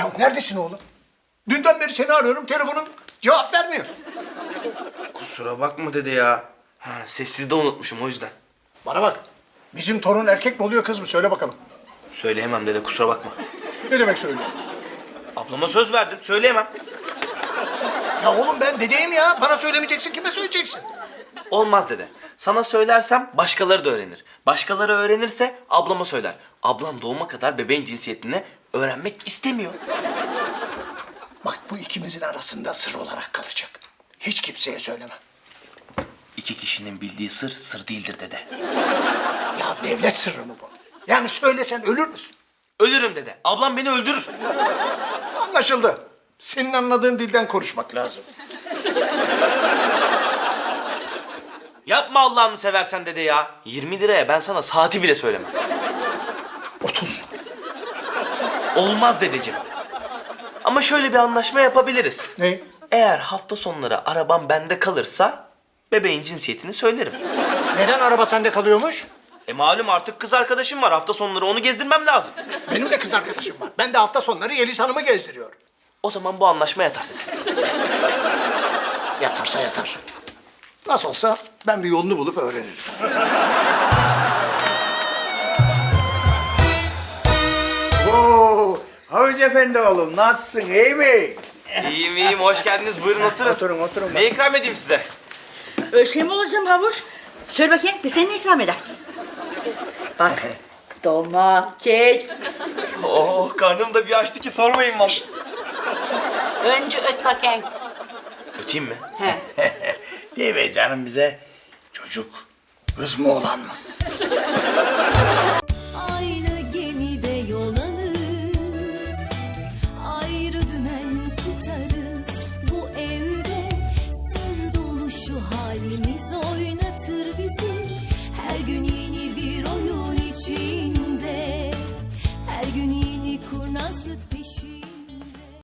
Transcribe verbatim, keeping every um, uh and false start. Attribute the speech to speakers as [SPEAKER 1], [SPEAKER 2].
[SPEAKER 1] Ya neredesin oğlum? Dünden beri seni arıyorum, telefonun cevap vermiyor.
[SPEAKER 2] Kusura bakma dede ya. Ha, sessizde unutmuşum o yüzden.
[SPEAKER 1] Bana bak, bizim torun erkek mi oluyor kız mı? Söyle bakalım.
[SPEAKER 2] Söyleyemem dede, kusura bakma.
[SPEAKER 1] Ne demek söylüyor?
[SPEAKER 2] Ablama söz verdim, söyleyemem.
[SPEAKER 1] Ya oğlum ben dedeyim ya. Bana söylemeyeceksin, kime söyleyeceksin?
[SPEAKER 2] Olmaz dede. Sana söylersem başkaları da öğrenir. Başkaları öğrenirse ablama söyler. Ablam doğuma kadar bebeğin cinsiyetini öğrenmek istemiyor.
[SPEAKER 1] Bak bu ikimizin arasında sır olarak kalacak. Hiç kimseye söylemem.
[SPEAKER 2] İki kişinin bildiği sır, sır değildir dede.
[SPEAKER 1] Ya devlet sırrı mı bu? Yani söylesen ölür müsün?
[SPEAKER 2] Ölürüm dede. Ablam beni öldürür.
[SPEAKER 1] Anlaşıldı. Senin anladığın dilden konuşmak lazım.
[SPEAKER 2] Yapma Allah'ını seversen dede ya. yirmi liraya ben sana saati bile söylemem.
[SPEAKER 1] Otuz.
[SPEAKER 2] Olmaz dedeciğim. Ama şöyle bir anlaşma yapabiliriz.
[SPEAKER 1] Ne?
[SPEAKER 2] Eğer hafta sonları arabam bende kalırsa bebeğin cinsiyetini söylerim.
[SPEAKER 1] Neden araba sende kalıyormuş?
[SPEAKER 2] E malum artık kız arkadaşım var. Hafta sonları onu gezdirmem lazım.
[SPEAKER 1] Benim de kız arkadaşım var. Ben de hafta sonları Yeliz Hanım'ı gezdiriyorum.
[SPEAKER 2] O zaman bu anlaşma yatar dede.
[SPEAKER 1] Yatarsa yatar. Nasıl olsa ben bir yolunu bulup öğrenirim.
[SPEAKER 3] Oo, Havuç Efendi oğlum nasılsın iyi mi?
[SPEAKER 2] İyiyim iyiyim. Hoş geldiniz. Buyurun oturun.
[SPEAKER 3] Oturun oturun.
[SPEAKER 2] Ne ikram edeyim size?
[SPEAKER 4] Öyle şey mi olacağım havuç? Söyle bakayım bir seni ikram eder. Bak dolma, kek.
[SPEAKER 2] Oh karnım da bir açtı ki sormayın vallahi.
[SPEAKER 4] Önce öt bakayım.
[SPEAKER 2] Öteyim mi?
[SPEAKER 4] He.
[SPEAKER 3] Değil mi canım bize? Çocuk.
[SPEAKER 1] Kız mı oğlan mı?